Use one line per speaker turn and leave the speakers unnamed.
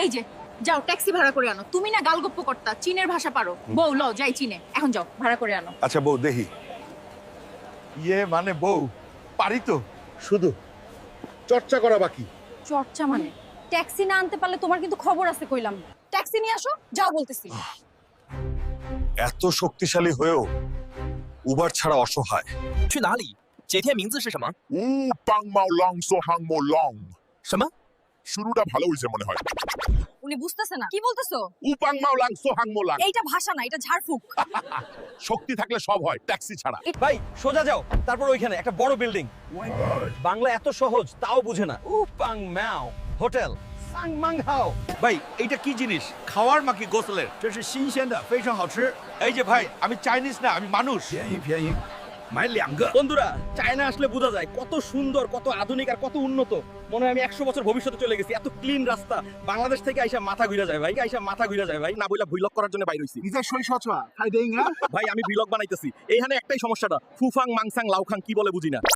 এই যে যাও ট্যাক্সি ভাড়া করে আনো। তুমি না গালগপ্প করতা, চীনের ভাষা পারো। বউ লও যাই চীনে, এখন যাও ভাড়া করে আনো।
আচ্ছা বউ দেখি মানে বউ পারি তো, শুধু চর্চা করা বাকি।
চর্চা মানে ট্যাক্সি না আনতে পারলে তোমার কিন্তু খবর আছে কইলাম। ট্যাক্সি নিয়ে আসো, যাও বলতেছি।
এত শক্তিশালী হয়েও উবার ছাড়া অসহায়।
去哪里？姐姐名字是什么？
পাং মাও লং সো হাং মো লং।
什么？
শুরুটা ভালো হয়েছে মনে হয়।
উনি বুঝতেছে না কি বলতেছো।
উপাং মাও লাং সো হাং মো লাং।
এইটা ভাষা না, এটা ঝাড়ফুঁক।
শক্তি থাকলে সব হয়, ট্যাক্সি ছাড়া।
ভাই সোজা যাও, তারপর ওইখানে একটা বড় বিল্ডিং। বাংলা এত সহজ তাও বুঝে না। উপাং ম্যাও হোটেল সাং মাং হাও।
ভাই এইটা কি জিনিস? খাওয়ার নাকি গোসলের?
这是新鲜的，非常好吃。
এই যে ভাই আমি চাইনিজ না, আমি মানুষ।
便宜，买2个。
বন্ধুরা চায়না আসলে বোঝা যায় কত সুন্দর, কত আধুনিক আর কত উন্নত। মনে হয় আমি 100 বছর ভবিষ্যতে চলে গেছি। এত ক্লিন রাস্তা। বাংলাদেশ থেকে আইসা মাথা ঘুরে যায় ভাই, মাথা ঘুরে যায় ভাই। না বইলা ভ্লগ করার জন্য বাইর হইছি।
你在说说错，拍电影啊？
ভাই আমি ভ্লগ বানাইতেছি। এইখানে একটাই সমস্যাটা, ফুফাং মাংসাং লাউখাং কি বলে বুঝি না।